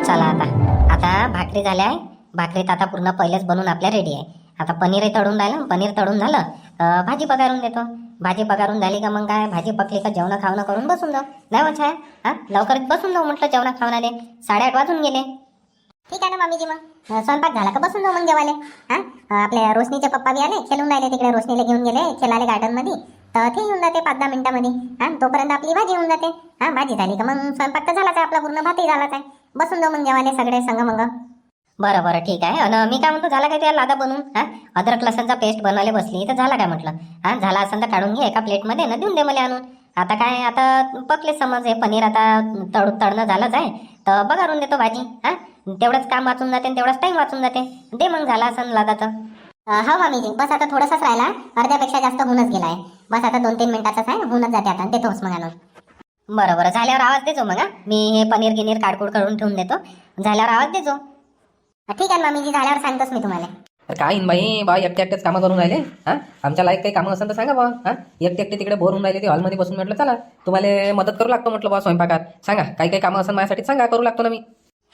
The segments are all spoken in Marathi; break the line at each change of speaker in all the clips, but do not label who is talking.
चला आता आता भाकरी झाल्या आहे. भाकरीत आता पूर्ण पहिलेच बनवून आपल्या रेडी आहे. आता पनीरही तळून राहिलं. पनीर तळून झालं तर भाजी पगारून देतो. भाजी पगारून झाली का मग काय, भाजी पकली का जेवण खावणं करून बसून जाऊ. नाही मग छाया, हा लवकर बसून जाऊ म्हटलं जेवणा खावणारे. 8:30 वाजून गेले.
ठीक आहे ना मामीजी, मग स्वयंपाक झाला का बसून जाऊ मग जेवायला. हा आपल्या रोशनीचे पप्पा बी आले, खेळून राहिले तिकडे. रोशनीला घेऊन गेले खेळाले गार्डन मध्ये, तर ते येऊन जाते 5-10 मिनिटांमध्ये. तोपर्यंत आपली भाजी होऊन जाते. भाजी झाली का मग स्वयंपाक तर झालाच आहे आपला, पूर्ण भातही झालाच आहे. बसून जाऊ मग जेवायला सगळे संग मग.
बरं बरं ठीक आहे. आणि मी काय म्हणतो, झाला काय त्या लादा बनवून? अद्रक लसणचा पेस्ट बनवायला बसली तर झाला काय म्हटलं? झाला असेल तर काढून घे एका प्लेटमध्ये ना, देऊन दे मला आणून. आता काय, आता पकले समज हे पनीर. आता तळणं झालंच आहे तर बघारून देतो भाजी. तेवढंच काम वाचून जाते आणि तेवढाच टाइम वाचून जाते. दे मग, झाला असेल लादा तर.
हो मामीजी, बस आता थोडासाच राहिला, अर्ध्यापेक्षा जास्त होऊनच गेला आहे. बस आता 2-3 मिनिटाचाच आहे, होऊनच जाते आता. देतोच मग आणून.
बरं बरं, झाल्यावर आवाज देजो मग. मी हे पनीर गिनीर काडकूड करून ठेवून देतो. झाल्यावर आवाज देजो.
ठीक आहे मामीजी, झाल्यावर सांगतोच मी तुम्हाला.
काय बाई बा, एकटे एकटेच कामं करून राहिले. आमच्या लायक काही कामं असेल तर सांगा बा. एकटे एकटे तिकडे बोर होऊन राहिले ते हॉलमध्ये बसून. म्हटलं चला तुम्हाला मदत करू लागतो म्हटलं बा स्वयंपाकात. सांगा काही काही कामं असेल माझ्यासाठी सांगा, करू लागतो ना मी.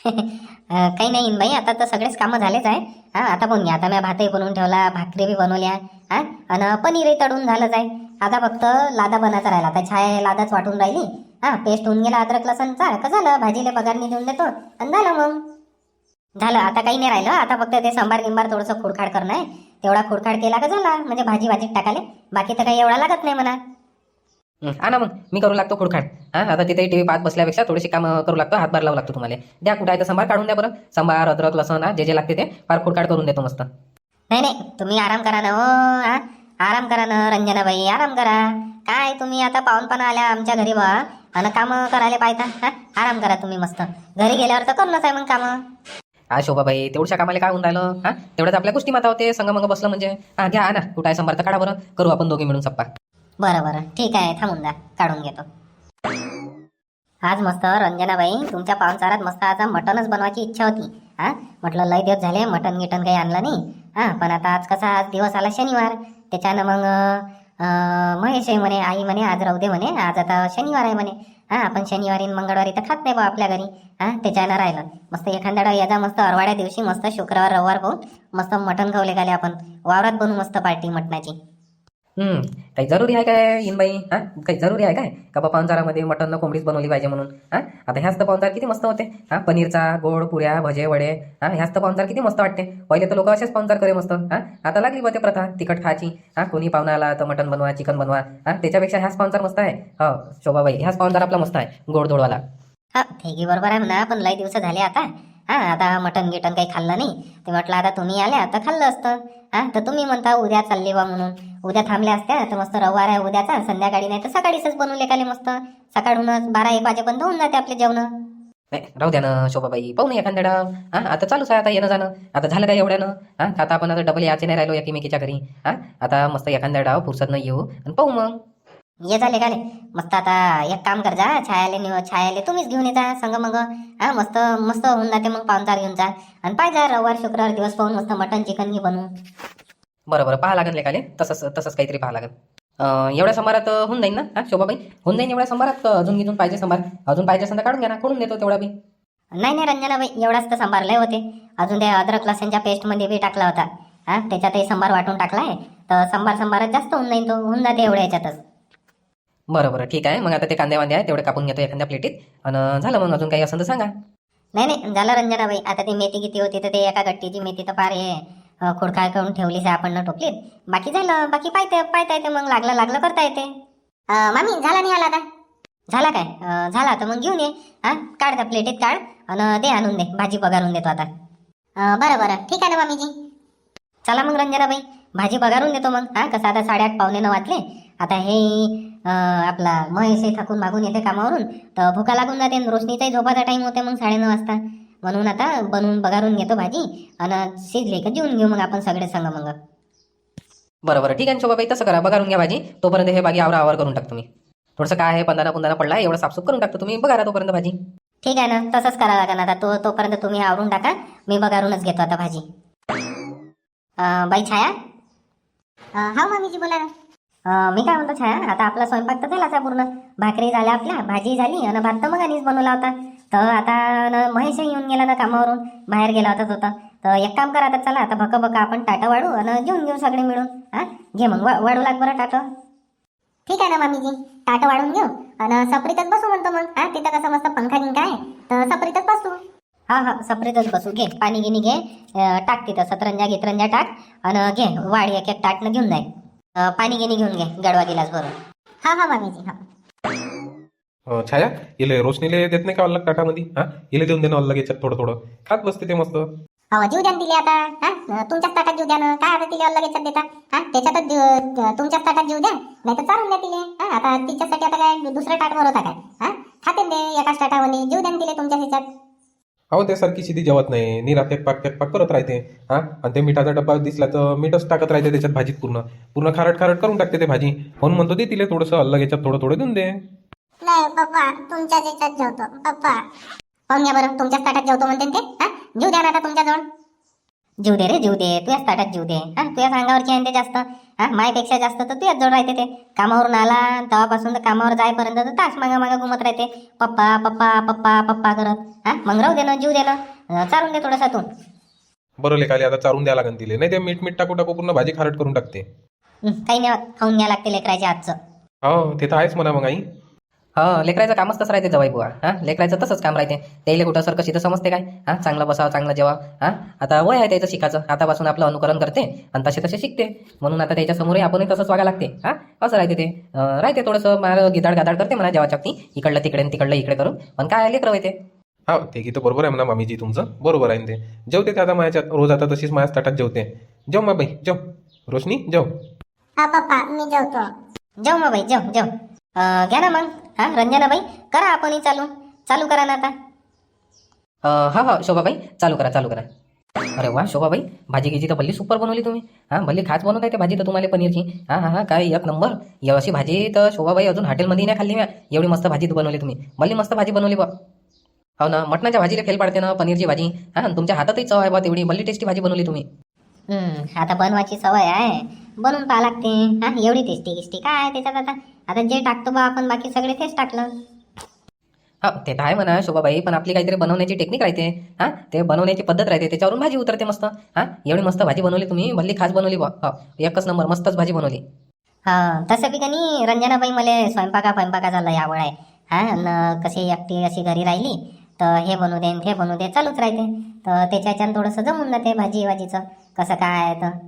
काही नाही बाई, आता तर सगळेच कामं झालेच आहे. आता बोल घ्या, आता मी भातही बनवून ठेवला, भाकरी बी बनवल्या, आणि पनीरही तळून झालंच आहे. आता फक्त लादा बनायचा राहिला. आता छाया लादाच वाटून राहिली. पेस्ट होऊन गेला अद्रक लसणचा का, झालं भाजीला पगारनी देऊन देतो आणि झालं मग. झालं, आता काही नाही राहिलं. आता फक्त ते सांबार गिंबार थोडंसं खुडखाड करणं आहे. तेवढा खुडखाड केला का झाला, म्हणजे भाजी भाजीत टाकाले. बाकी तर काही एवढा लागत नाही म्हणा.
ना मग मी करू लागतो खुडखाड. आता तिथे टीव्ही पाहत बसल्यापेक्षा थोडीशी कामं करू लागतो, हातभार लावू लागतो तुम्हाला. द्या कुठं आहे तर सांबार काढून द्या बरं. सांबार अद्रक लसण जे जे लागते ते फार खुडखाड करून देतो मस्त.
नाही नाही, तुम्ही आराम करा ना. हो आराम करा ना रंजनाबाई, आराम करा. काय तुम्ही आता पाहुणपणा आल्या आमच्या घरी बा, आणि कामं करायला पाहिजे. आराम करा तुम्ही मस्त. घरी गेल्यावर तर करूनच आहे मग कामं.
शोभाबाई, तेवढ्या कामाला काय होऊन राहिलं? तेवढ्याच आपल्या गोष्टी माता होते, संग मग बसलं म्हणजे. घ्या ना, कुठं आहे सांबार तर काढा बरं, करू आपण दोघे मिळून सप्पा.
बरं बरं ठीक आहे, थांबून जा, काढून घेतो. आज मस्त रंजनाबाई, तुमच्या पाहुणचारात मस्त आज मटनच बनवायची इच्छा होती. म्हटलं लय दिवस झाले मटन गिटन काही आणलं नाही. पण आता आज कसा, आज दिवस आला शनिवार. त्याच्यानं मग महेश म्हणे, आई म्हणे आज राहू दे म्हणे, आज आता शनिवार आहे म्हणे. आपण शनिवारी मंगळवारी तर खात नाही बा आपल्या घरी. त्याच्यानं राहिलं मस्त एखाद्या याचा मस्त अरवाड्या दिवशी मस्त शुक्रवार रविवार पाहून मस्त मटन खावले गाले आपण. वावरात बनवू मस्त पार्टी मटणाची.
काही जरुरी आहे काय इनबाई? काही जरुरी आहे काय का बा पाहुणचारामध्ये मटन कोंबडीच बनवली पाहिजे म्हणून? आता ह्याच तर पाहुणचार किती मस्त होते. पनीरचा गोड पुऱ्या भजे वडे. ह्याच तर पाहुणचार किती मस्त वाटते. पहिले तर लोक असेच पाहुणचार करे मस्त. आता लागली बा ते प्रथा तिखट खायची. कोणी पाहुणा आला तर मटन बनवा, चिकन बनवा. त्याच्यापेक्षा ह्याच पाहुणचार मस्त आहे. हो शोभाबाई, ह्याच पाहुणचार आपला मस्त आहे, गोडधोडवाला.
ठीक बरोबर आहे म्हणा, पण लय दिवस झाले आता. आता मटन गिटन काही खाल्लं नाही. ते म्हटलं आता तुम्ही आल्या तर खाल्लं असतं. तर तुम्ही म्हणता उद्या चालले बा म्हणून. उद्या थांबल्या असत्या तर मस्त रविवार आहे उद्याचा, संध्याकाळी नाही तर सकाळीच बनवले काले मस्त. सकाळूनच 12-1 वाजेपर्यंत होऊन जाते आपले जेवण.
नाही राहू द्या ना शोभाबाई, पाहू नाही एखाद्या. आता चालूच आहे आता येणं जाणं. आता झालं काय एवढ्यानं? आता आपण आता डबल याचे नाही राहिलो एकमेकीच्या घरी. आता मस्त एखाद्या डाव फुरसत नाही येऊ आणि पाहू मग.
ये झाले काले मस्त. आता एक काम कर जा, छायाले तुम्हीच घेऊन येता संग मग. मस्त मस्त होऊन जाते मग पाहुणचार घेऊन जा. आणि पाहिजे रविवार शुक्रवार दिवस पाहून मस्त मटन चिकन घे बनवून.
बरं पाहा लागेल लेखाले, तसंच काहीतरी पाहा लागेल. एवढ्या संभारात होऊन जाईल ना शोभाबाई? होऊन जाईल एवढ्या संभारात? अजून पाहिजे संभार? अजून पाहिजे असेल तर काढून घ्या ना, करून देतो तेवढा बी.
नाही रंजनाबाई, एवढाच तर संभार लय होते. अजून त्या अद्रक लसणच्या पेस्ट मध्ये बी टाकला होता. त्याच्यातही संभार वाटून टाकलाय तर संभारात जास्त होऊन जाईल. तो होऊन जाते एवढ्या याच्यातच.
बरं ठीक आहे. मग आता ते कांदे वांदे आहे तेवढे कापून घेतो एखाद्या प्लेटीत. आणि झालं मग, अजून काही असेल तर सांगा.
नाही झालं रंजनाबाई. आता ती मेथी किती होती तर ते एका गट्टीची मेथी तर फार हे खोडखाळ करून ठेवलीच आहे आपण टोपलीत. बाकी झालं, बाकी पायता येते मग, लागलं करता येते.
मामी झाला नाही आला आता?
झाला काय? झाला तर मग घेऊन ये. काढ त्या प्लेटीत काढ आणि दे आणून दे, भाजी पगारून देतो आता.
बरं ठीक आहे ना मामीजी.
चला मग रंजनाबाई, भाजी पगारून देतो मग. कसं आता 8:30 पावणे 9 वाजले. आता हे आपला महेश थकून मागून येते कामावरून तर भुका लागून जाते. रोशनीचाही झोपाचा टाइम होते मग 9:30 वाजता. म्हणून आता बनवून बघारून घेतो भाजी आणि शिजले का जेवून घेऊ मग आपण सगळे संग मग.
बरं ठीक आहे शोभाबाई, तसं करा, बघारून घ्या भाजी. तोपर्यंत हे बागी आवर करून टाकतो मी. थोडंसं काय आहे पंधरा पडला, एवढं साफसूफ करून टाकतो. तुम्ही बघा तोपर्यंत भाजी.
ठीक आहे ना, तसंच करा लागेल आता. तोपर्यंत तुम्ही आवरून टाका, मी बघारूनच घेतो आता भाजी. बाई छाया.
हा मामीजी बोला ना.
मी काय म्हणतो छाया, आता आपला स्वयंपाक तर झालाच आहे पूर्ण. भाकरी झाल्या आपल्या, भाजी झाली आणि भात तर मग आणीच बनवला होता. तर आता महेशही येऊन गेला ना कामावरून, बाहेर गेला होता तो तर एक काम करा आता, चला आता भक आपण टाटं वाढू आणि जेवून घेऊ सगळे मिळून. हा घे मग वाढू लाग बरं टाटं.
ठीक आहे ना मामीजी, ताट वाढून घेऊ आणि सपरीतच बसू म्हणतो मग. हा तिथं कसं मस्त पंखा गिंका आहे तर सपरीतच बसू.
हा सपरेटच बसू. घे पाणी गिनी घे, टाक तिथं सतरंजा गितरंजा टाक आणि घे वाढ एक एक ताटनं घेऊन जाय. पाणी गिनी घेऊन घे गडवा गिलास भरून.
हा मामीजी हा.
छाया, इले रोशनीले देत नाही का अलग ताटामध्ये? हा इले देऊन दे ना अलग, याच्यात थोडं थोडं खात बसते ते मस्त.
अहो जीव द्या ना तिले आता. हा तुमच्याच ताटात जीव द्या ना, काय आता तिले अलग याच्यात देता? हा त्याच्यातच तुमच्याच ताटात जीव द्या, नाही तर चारून द्या तिले. हा आता तिच्यासाठी आता काय दुसरं ताट भरवता काय? हा खाते दे एकाच ताटामध्ये, जीव द्या ना तिले तुमच्या ह्याच्यात.
अहो ते सारखी शिदी जेवत नाही, निरा तेकपाक करत राहते. हा आणि ते मिठाचा डब्बा दिसला तर मीठच टाकत राहते त्याच्यात भाजीत, पूर्ण पूर्ण खारट करून टाकते ते भाजी. म्हणून म्हणतो दे तिले थोडंसं अलग, याच्यात थोडं थोडं देऊन दे.
नाही पप्पा, तुमच्याच ह्याच्यात जेवतो पप्पा. पाहून घ्या बरं, तुमच्याच ताटात जेवतो म्हणते ते. हा जीव द्या ना आता तुमच्याजवळ.
जीव दे रे जीव दे, तुझ्याच ताटात जीव दे. हा तुझ्या अंगावरची आहे ते जास्त. हा मायपेक्षा जास्त तर तुझ्याच जवळ राहते ते. कामावरून आला तेव्हापासून तर कामावर जायपर्यंत तर तास मागा घुमत राहते, पप्पा पप्पा पप्पा पप्पा करत. हा मग राहू दे ना, जीव दे ना, चारून दे थोडासा तू.
बरं लेखाले आता चारून द्या लागन तिले, नाही ते मीठ टाकू पूर्ण भाजी खारट करून टाकते.
काही नाही खाऊन घ्या लागते लेकराच्या हातचं.
हो ते तर आहेच म्हणा मग आई.
हा लेकरायचं कामच तसं राहते जवाई बुवा. हा लेकरायचं तसंच काम राहते. त्याला कुठं सर कशी तर समजते काय? हा चांगलं बसावं, चांगलं जेवा. हा आता वय आहे त्याचं शिकायचं, आतापासून आपलं अनुकरण करते आणि तसे शिकते. म्हणून आता त्याच्या समोरही आपणही तसंच वागा लागते. हा असं राहते ते. राहते थोडंसं मला गिदाड करते म्हणा जेवाच्या बाबतीत, इकडलं तिकडे तिकडलं इकडे करून. पण काय लेकरं होते.
हा ते की तर बरोबर आहे म्हणा मामीजी, तुमचं बरोबर आहे ते. जेवते ते आता माझ्या रोज आता तशीच माझ्याच ताटात जेवते. जेव मा बाई जेव. रोशनी जेव.
हा पप्पा मी जेवतो.
जेव मग बाई जेव. घ्या ना मग. हा रंजनाबाई करा आपणही चालू करा ना आता.
हा शोभाबाई चालू करा. अरे वा शोभाबाई, भाजी गिजी तर भल्ली सुपर बनवली तुम्ही. हा भल्ली खास बनवत आहे ते भाजी तर तुम्हाला पनीरची. हा काय एक नंबर. अशी भाजी तर शोभाबाई अजून हॉटेलमध्ये नाही खाल्ली. एवढी मस्त भाजी बनवली तुम्ही, भल्ली मस्त भाजी बनवली बा. हो ना, मटणाच्या भाजीला फेल पाडते ना पनीरची भाजी. हा तुमच्या हातातही चव आहे बा तेवढी, भल्ली टेस्टी भाजी बनवली तुम्ही.
आता बनवायची सवय आहे, बनवून पाहा लागते. हा एवढी टेस्टी काय आहे त्याच्यात आता जे टाकतो बा आपण बाकी सगळे तेच टाकलं.
हा ते तर आहे म्हणा शोभाबाई, पण आपली काहीतरी बनवण्याची टेक्निक राहते. हा ते बनवण्याची पद्धत राहते, त्याच्यावरून भाजी उतरते मस्त. हा एवढी मस्त भाजी बनवली तुम्ही, भल्ली खास बनवली बा. हा एकच नंबर, मस्तच भाजी बनवली.
हा तसं बी त्यांनी रंजनाबाई मला स्वयंपाकाचा लय आवड आहे. हा न कशी एकटी अशी घरी राहिली तर हे बनवू दे ते बनवू दे चालूच राहते. तर त्याच्याच्यानं थोडंसं जमून जाते भाजीचं कसं काय आहे तर.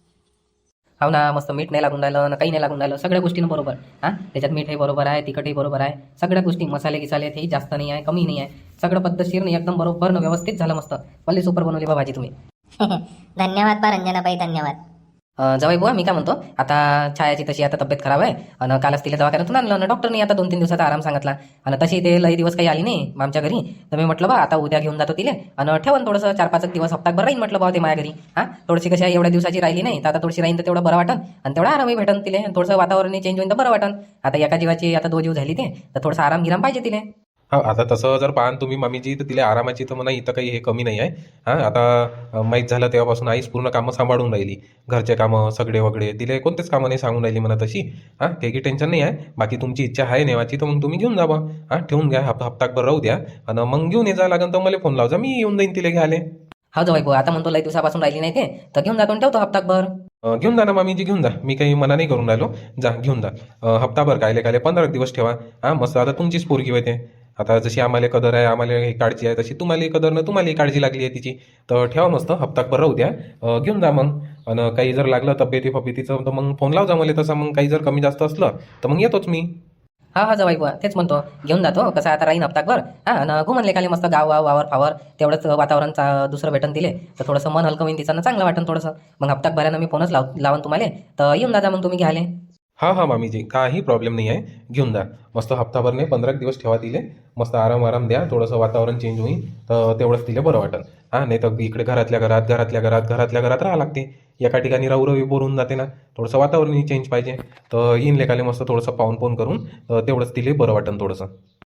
हो ना, मस्त मीठ नाही लागून राहिलं ना, काही नाही लागून राहिलं, सगळ्या गोष्टीनं बरोबर. हा त्याच्यात मीठही बरोबर आहे, तिखटही बरोबर आहे, सगळ्या गोष्टी मसाले गिसाले तेही जास्त नाही आहे, कमी नाही आहे, सगळं पद्धतशीर नाही, एकदम बरोबर न व्यवस्थित झालं मस्त. भल्ली सुपर बनवली बा भाजी तुम्ही.
धन्यवाद बा रंजनाबाई, धन्यवाद.
जवाई बुवा मी काय म्हणतो, आता छायाची तशी आता तब्येत खराब आहे आणि कालच तिला दवाखान्यातून आणलं आणि डॉक्टरनी आता 2-3 दिवसाचा आराम सांगितला. आणि तशी ते लई दिवस काही आली नाही आमच्या घरी. तर मी म्हटलं बा आता उद्या घेऊन जातो तिले आणि ठेवून थोडंसं 4-5 दिवस हप्ताभर राहीन म्हटलं बा ते माझ्या घरी. हा थोडीशी कशा एवढ्या दिवसाची राहिली नाही तर आता थोडीशी राहीन तर तेवढं बरं वाटन आणि तेवढा आरामही भेटन तिले. थोडंसं वातावरणही चेंज होईन तर बरं वाटन. आता एका जीवाची आता 2 जीव झाली ते तर थोडंसं आराम पाहिजे तिले.
हा आता तसं जर पाहान तुम्ही मामीजी तर तिला आरामाची तर म्हणा इथं काही हे कमी नाही आहे. हा आता माहीत झालं तेव्हापासून आईच पूर्ण कामं सांभाळून राहिली, घरचे कामं सगळे वगळे तिले कोणतेच कामं नाही सांगून राहिली म्हणा तशी. हा काही टेन्शन नाही आहे. बाकी तुमची इच्छा आहे नेवाची तर मग तुम्ही घेऊन जा बा. हा ठेवून घ्या, हप्ताभर राहू द्या आणि मग घेऊन ये जा लागेल तर मला फोन लावजा, मी येऊन जाईन तिला घ्यायला.
हा जवाई बुवा आता म्हणतो लई दिवसापासून राहिली नाही ते तर घेऊन जातो आणि ठेवतो हप्ताभर.
घेऊन जा ना मामीजी, घेऊन जा, मी काही मना नाही करून राहिलो. जा घेऊन जा. हप्ताभर कायले 15 दिवस ठेवा. हा मस्त आता तुमचीच पोरगी होते. आता जशी आम्हाला कदर आहे, आम्हाला ही काळजी आहे, तशी तुम्हाला कदर ना तुम्हाला काळजी लागली आहे तिची. तर ठेवा मस्त हप्ताभर राहू द्या. घेऊन जा मग. आणि काही जर लागलं तब्येतीचं तर मग फोन लाव जा मला तसं. मग काही जर कमी जास्त असलं तर मग येतोच मी.
हा जवाई बुवा तेच म्हणतो, घेऊन जातो. कसं आता राहीन हप्ताभर. हा आणि घुमन लेखाले मस्त गाव वावर फावर तेवढंच वातावरण दुसरं भेटन दिले तर थोडंसं मन हलकं होईन तिचं, चांगलं वाटन थोडंसं. मग हप्ताभरानं मी फोनच लावून तुम्हाला तर येऊन जा मग तुम्ही घ्याले.
हा मामीजी काही प्रॉब्लेम नाही आहे, घेऊन जा. मस्त हप्ताभर नाही 15 दिवस ठेवा तिले. मस्त आराम द्या, थोडंसं वातावरण चेंज होईल तर तेवढंच तिला बरं वाटेल. हा नाही तर इकडे घरातल्या घरात राहा लागते. एका ठिकाणी राहू बोरून जाते ना, थोडंसं वातावरणही चेंज पाहिजे. तर येईन लेखाले मस्त थोडंसं पाहून करून तेवढंच तिला बरं वाटेल थोडंसं.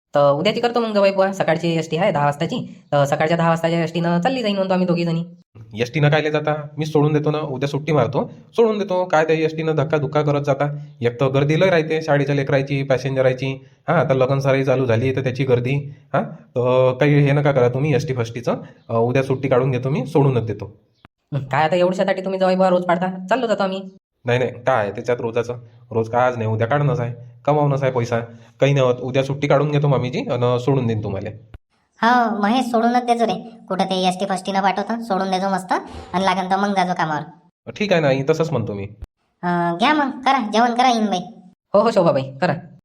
तर उद्याची करतो मग जवाई बुवा. सकाळची एस टी आहे 10 वाजताची, तर सकाळच्या 10 वाजताच्या एस टीनं चालली जाईन म्हणतो आम्ही दोघी जणी.
एस टीनं कायले जाता, मी सोडून देतो ना, उद्या सुट्टी मारतो, सोडून देतो. काय त्या एस टीनं धक्का धुक्का करत जाता. एक तर गर्दी लय राहते शाळेच्या लेकरायची, पॅसेंजरायची. हां, आता लगन सराई चालू झाली तर त्याची गर्दी. हां, तर काही हे नका करा तुम्ही एस टी फस्टीचं. उद्या सुट्टी काढून घेतो मी, सोडूनच देतो.
काय आता एवढ्यासाठी तुम्ही जवाई बुवा रोज पाडता? चाललो जातो आम्ही.
नाही नाही, काय आहे त्याच्यात रोजाचं. रोज काय आज नाही उद्या काढणंच आहे, कमावणंच आहे पैसा. काही नाही होत, उद्या सुट्टी काढून घेतो मामीजी आणि सोडून देईन तुम्हाला.
हो महेश, सोडूनच देजो रे. कुठं ते एस टी फस्टीनं पाठवतं, सोडून देजो मस्त. आणि लागेल तर मग जाजो कामावर.
ठीक आहे ना, तसंच म्हणतो मी.
घ्या मग, करा जेवण, करा येईन बाई.
हो हो शोभाबाई करा.